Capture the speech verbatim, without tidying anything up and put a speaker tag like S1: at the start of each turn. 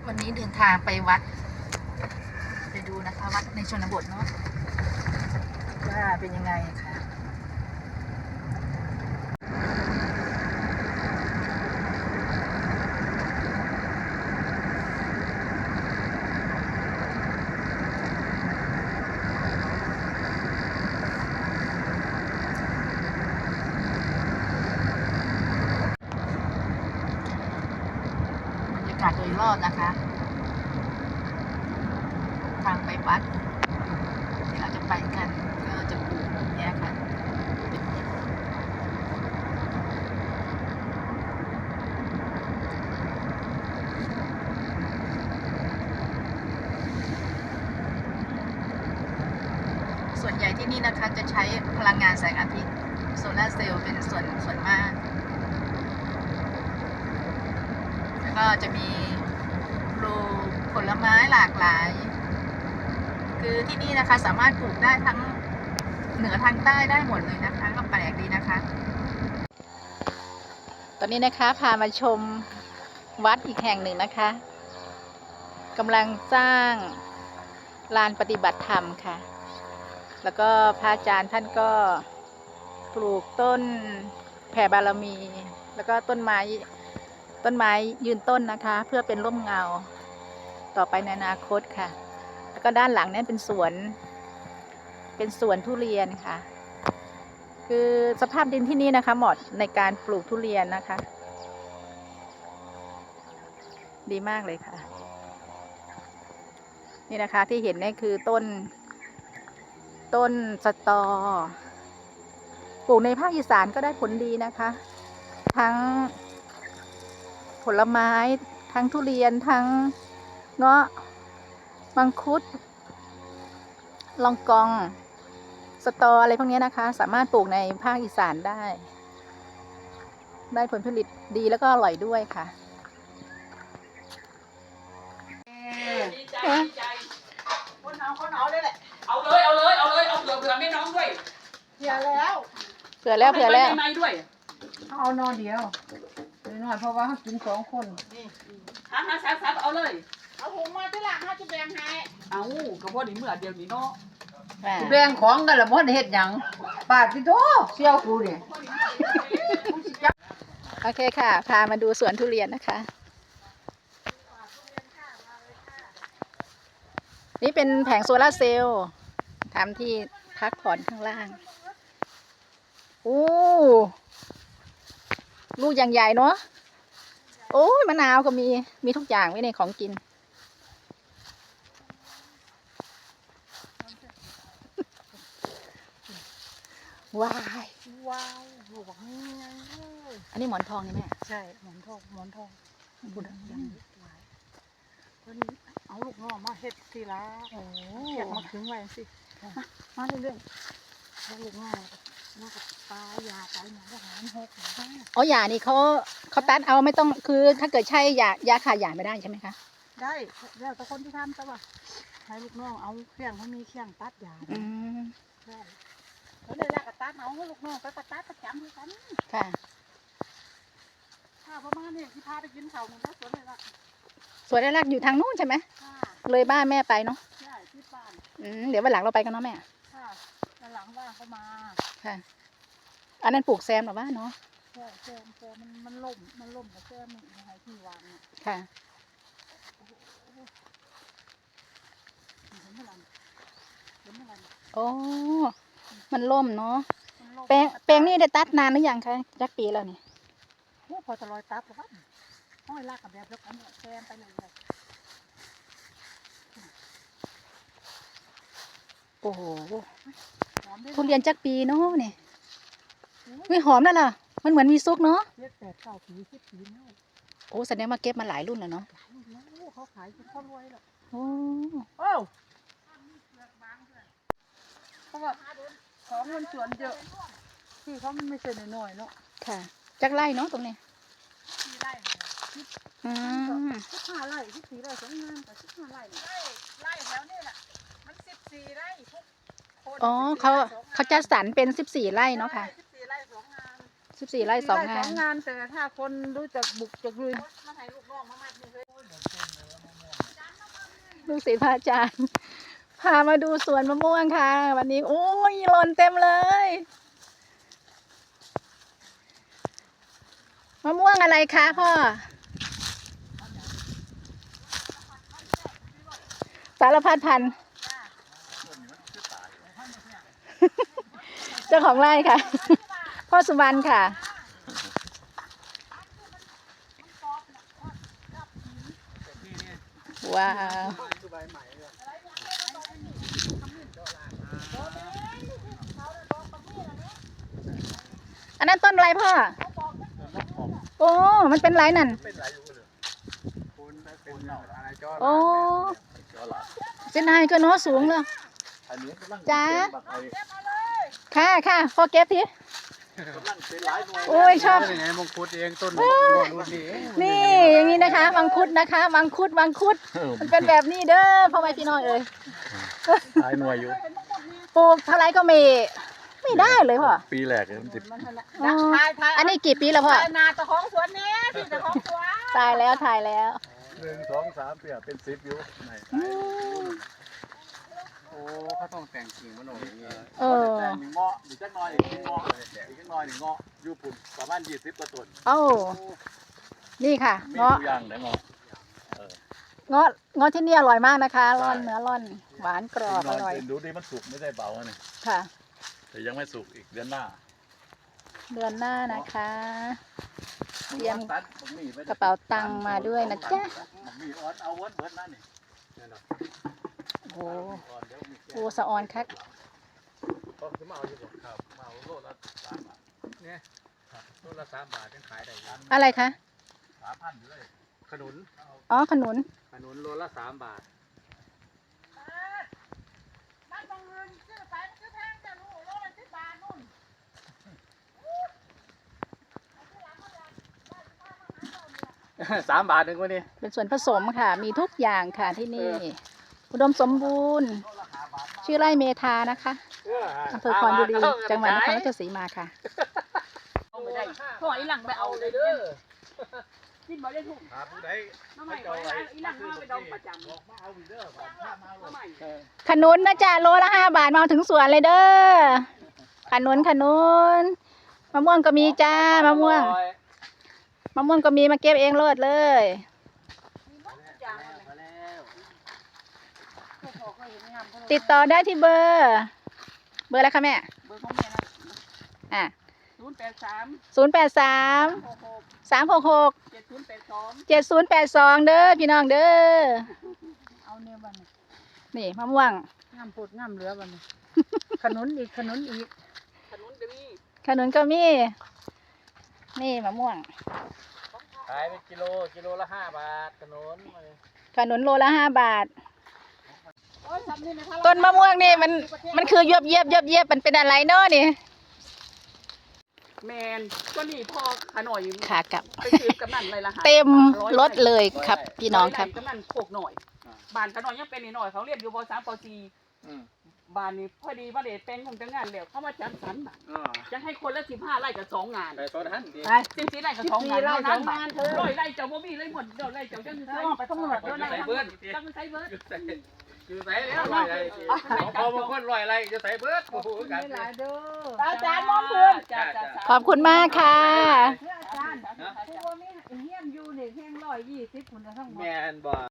S1: วันนี้เดินทางไปวัดไปดูนะคะวัดในชนบทเนาะว่าเป็นยังไงค่ะบรรยากาศโดยรอบนะคะทางไปวัดที่เราจะไปกันก็จะปลูกเนี่ยค่ะส่วนใหญ่ที่นี่นะคะจะใช้พลังงานแสงอาทิตย์โซลาร์เซลล์เป็นส่วนส่วนมากแล้วก็จะมีปลูกผลไม้หลากหลายคือที่นี่นะคะสามารถปลูกได้ทั้งเหนือทางใต้ได้หมดเลยนะคะก็แปลกดีนะคะตอนนี้นะคะพามาชมวัดอีกแห่งหนึ่งนะคะกำลังสร้างลานปฏิบัติธรรมค่ะแล้วก็พระอาจารย์ท่านก็ปลูกต้นแผ่บารมีแล้วก็ต้นไม้ต้นไม้ยืนต้นนะคะเพื่อเป็นร่มเงาต่อไปในอนาคตค่ะแล้วก็ด้านหลังนั้นเป็นสวนเป็นสวนทุเรียนค่ะคือสภาพดินที่นี่นะคะเหมาะในการปลูกทุเรียนนะคะดีมากเลยค่ะนี่นะคะที่เห็นนี่คือต้นต้นสตอปลูกในภาคอีสานก็ได้ผลดีนะคะทั้งผลไม้ทั้งทุเรียนทั้งเงาะมังคุดลองกองสตออะไรพวกนี้นะคะสามารถปลูกในภาคอีสานได้ได้ผลผลิตดีแล้วก็อร่อยด้วยค่ะ
S2: ดีใจดีใจคนเอาคนเอาเลยแหละเอาเลยเอาเลยเอาเลยเอาเผื่อเผื่อแม่น้องด้วย
S3: เผื่อแล้ว
S1: เผื่อแล้วเผื่อแล้ว
S2: ไม่ด้วย
S3: เอานอนเดียวหน่อยเพราะว่าเขากินสองคนนี่
S2: ฮะฮะซับซับเอาเลย
S3: เอาหุงมาที่หลังเขาจะแบ่งให้
S2: เอากระเพาะนี่เมื่อเดียวนี้เนาะ
S3: แบ่งของกันละมดเฮ็ดหยังปาดที่โตเสี่ยวกูเนี่ย
S1: โอเคค่ะพามาดูสวนทุเรียนนะคะนี่เป็นแผงโซลาร์เซลล์ทำที่พักผ่อนข้างล่างโอ้ลูกอย่างใหญ่เนาะโอ้ยมะนาวก็มีมีทุกอย่างไว้ในของกินว้าย
S3: ว้าวหลวงเลย
S1: อันนี้หมอนทองนี่แม่
S3: ใช่หมอนทองหมอนทองบุญยังหลายคนนี้เอาลูกน้องมาเฮ็ดทีละโอ้เก็บมาถึงไว้สิมาเรื่อยๆแล้วลูกน้องมากับปลายาไปหน่อยก็หารหก
S1: อ๋อยานี่เขาเขาตัดเอาไม่ต้องคือถ้าเกิดใช่ยายาขาดยาไม่ได้ใช่ไหมคะ
S3: ได้แล้วแต่คนที่ทำแต่ว่าให้ลูกน้องเอาเครื่องเขามีเครื่องตัดยา
S1: อืม
S3: ใช่เขาเลยละกระตัดเอาลูกน้องไปกระตัดประจำด้วยกัน
S1: ค่ะ
S3: ถ้าประมาณนี้ที่พาไปกินเขาหนึ่งแล้วสวนเลยละ
S1: สวนแรกอยู่ทางนู้นใช่ไหมเลยบ้านแม่ไปเนาะ
S3: ใช่ที่บ้าน
S1: อืมเดี๋ยววันหลังเราไปกันเนาะแม่
S3: ค่ะวันหลังว่าเขามา
S1: ค่ะอันนั้นปลูกแซมหรอวะเนาะ
S3: ใช่แซมแซมมันมันล่มมันล่มกับแซมมันยังไงที่วางเนี่ย
S1: ค่ะ
S3: เห็นเมื่อไหร่เห็นเมื่อไหร่
S1: โอ้มันล่มเนาะแปลงแปลงนี่ได้ตัดนานหรือยังคะจักปีแล้วนี่
S3: โอ้พอจะลอยตัดแล้วบ้านห้อยลากกับแบบแล้วกันเนี่ยแซมไปเลยเลย
S1: โอ้โหทุเรียนจักปีเนาะนี่ไม่หอมแล้วล่ะมันเหมือนมีซุกเนาะ
S3: เจ็ดแปดเก้าปีสิบปีแล้ว
S1: โอ้แสดงมาเก็บมาหลายรุ่นแล้วเนาะ
S3: หลายรุ่นแล้วเขาขายจนเขารวยแล้ว
S1: โอ้
S3: โอ้เพราะว่าของมันสวนเยอะที่เขาไม่ใช่น้อยๆเนาะ
S1: ค่ะจักไร่เนาะตรงนี้
S3: สี่ไร่
S1: อืม
S3: สิบห้าไร่สิบสี่ไร่สองงานแต่สิบห้าไร่ไร่ไร่แถวนี้แหละมันสิบสี่ไร่ทุกคน
S1: อ๋อเขาเขาจัดสรรเป็นสิบสี่ไร่เนาะค่ะ
S3: สิบสี่ไร่สองงาน
S1: สิบสี่ไร่สองงาน
S3: สองงานแต่ถ้าคนรู้จักบุกจักลุยมาให้ลูกน้องมามัดนี่เลย
S1: ลูกศิษย์พระอาจารย์พามาดูสวนมะม่วงค่ะ วันนี้โอ้ยหล่นเต็มเลยมะม่วงอะไรคะพ่อสารพัดพันธุ์เจ้าของไร่ค่ะ พ่อสุวรรณค่ะว้าวอันนั้นต้นอะไรพ่อโอ้มันเป็นไรนั่นโอ้เส้นไฮก็โน้สูงเลยจ้าค่ะค่ะพ่อเก็บทีโอ้ยชอบ
S4: ไงมงคุดเองต้นรุ่นนี้
S1: นี่อย่างนี้นะคะมังคุดนะคะมังคุดมังคุดมันเป็นแบบนี้เด้อพ่อแม่พี่น้องเอ้ย
S4: ตายหน่วยอยู่
S1: ปลูกเท่าไรก็ไม่ไม่ได้เลยพ่อ
S4: ปีแรกเลยมันติด
S1: อ๋ออันนี้กี่ปีแล้วพ่อ
S3: นาตะของสวนนี้ที่ตะของสวน
S1: ตายแล้วถ่ายแล้ว
S4: หนึ่งสองสามเปียเป็นสิบอยู่ไหน
S1: อืม
S4: โอ้เขาต้องแต่งกิ่งมันหน่อยอย่างเงี้ย
S1: เออ
S4: แต่งหนึ่งเงาะอีกจักหน่อยอีกหนึ่งเงาะอีกจักหน่อยหนึ่งเงาะอยู่ปุ่นประมาณยี่สิบกว่าต้น
S1: เอ้านี่ค่ะ
S4: มี
S1: เงาะ
S4: ตัวอย่างไหนเงาะ
S1: เงาะเงาะที่นี่อร่อยมากนะคะร่อนเนื้อร่อนหวานกรอบอร่อย
S4: ดูดิมันสุกไม่ได้เบาเนี่ย
S1: ค่ะ
S4: แต่ยังไม่สุกอีกเดือนหน้า
S1: เดือนหน้านะคะ เตรียม
S4: ตัดบัหไว้
S1: กระเป๋าตังค์มาด้วยนะจ๊ะ
S4: บักหมี่ออดเอาเวิร์ดเวิร์ดนั่นนี่
S1: โอ้โหโอ้สะออนคัก
S4: ก็คือมาเอาอยู่บ่ครับมาเอาโลละสามบาทเนี่ยโลละสามบาทยังขายได้ยัง
S1: อะไรคะ
S4: สามพันอยู่เลยขนุน
S1: อ๋อขนุน
S4: ขนุนโลละสามบาท
S3: บ้านบางเงินซื้อไปซื้อแพงจะรู้โลละสิบบาทนู่น
S4: สามบาทหนึ่งวันนี้
S1: เป็นส่วนผสมค่ะ มีทุกอย่างค่ะที่นี่ อุดมสมบูรณ์ ชื่อไร่เมธานะคะอำเภอคอนบุรีจังหวัดนครราชสีมาค่ะ
S3: ไม่ได้ถอยหลังไปเอาเลยเด้อกินบ่ได้ถูก
S4: หาผู้ใด
S3: น้ำใหม่ไว้อีหลังมาไปดองประจำ
S4: บอกมาเอาอีกเด้อบัดถ้ามาเอา
S3: น้ำใหม่
S1: ขนุนนะจ๊ะโลละห้าบาทมาถึงสวนเลยเด้อขนุนขนุนมะม่วงก็มีจ้ามะม่วงมะม่วงก็มีมาเก็บเองโลดเลย ติดต่อได้ที่เบอร์ เบอร์อะไรคะแม่
S3: เบอร์ของแม่นะ
S1: อ่ะ
S3: ศูนย์แปดสาม
S1: ศูนย์แปดสาม
S3: หกหก
S1: สามหกหก
S3: เจ็ดศูนย์แปดสอง
S1: เจ็ดศูนย์แปดสองเด้อพี่น้องเด้อ
S3: เอาเนี่ยบัดนี้
S1: นี่มะม่วง
S3: งามพูดงามเหลือบัดนี้ขนุนอีกขนุนอีกขนุนก็มี
S1: ขนุนก็มี นี่มะม่วง
S4: ขายเป็นกิโลกิโลละห้าบาทขนุน
S1: ขนุนโลละห้าบาท
S3: โอ้ยทำนี่ไม่ทัน
S1: ต้นมะม่วงนี่มันมันคือเยียบเยียบเยียบเยียบมันเป็นอะไรเนาะนี่
S3: แมนก็นี่พ่อขน่อย
S1: ขากลับ
S3: ไปซื้อกำนันเลยละ
S1: เต็มรถเลยครับพี่น้องครับ
S3: กำนันโคกหน่อยบ้านขน่อยยังเป็นนิดหน่อยเขาเรียนอยู่ปสามปสี่บ้านนี้พอดีว่าเด็ดเป็นของจังงานแล้วเขามาจัดสรรบ้านจะให้คนละสิบห้าไร่กับสองงาน
S4: ไปต้นหันดี
S3: สิบสี่ไร่กับสองงานเท่านั้นบ้านร้อยไร่เจ้าบ่มีเลยหมดเดี๋ยวไร่เจ้าจังใส่ไปต้องหมดด้วยไร่จังใส่เบิร์ด
S4: คือใส่แล้วลอยอะไรพอบางคนลอยอะไรจะใส่เบิร์ดโอ้โหกัน
S3: อาจารย์มองเพื่อน
S1: ขอบคุณมากค่ะ
S3: อาจารย์ผู้ว่ามีเฮียนอยู่นี่เฮียนร้อยยี่สิบคนทั้งหมด
S4: แมนบ่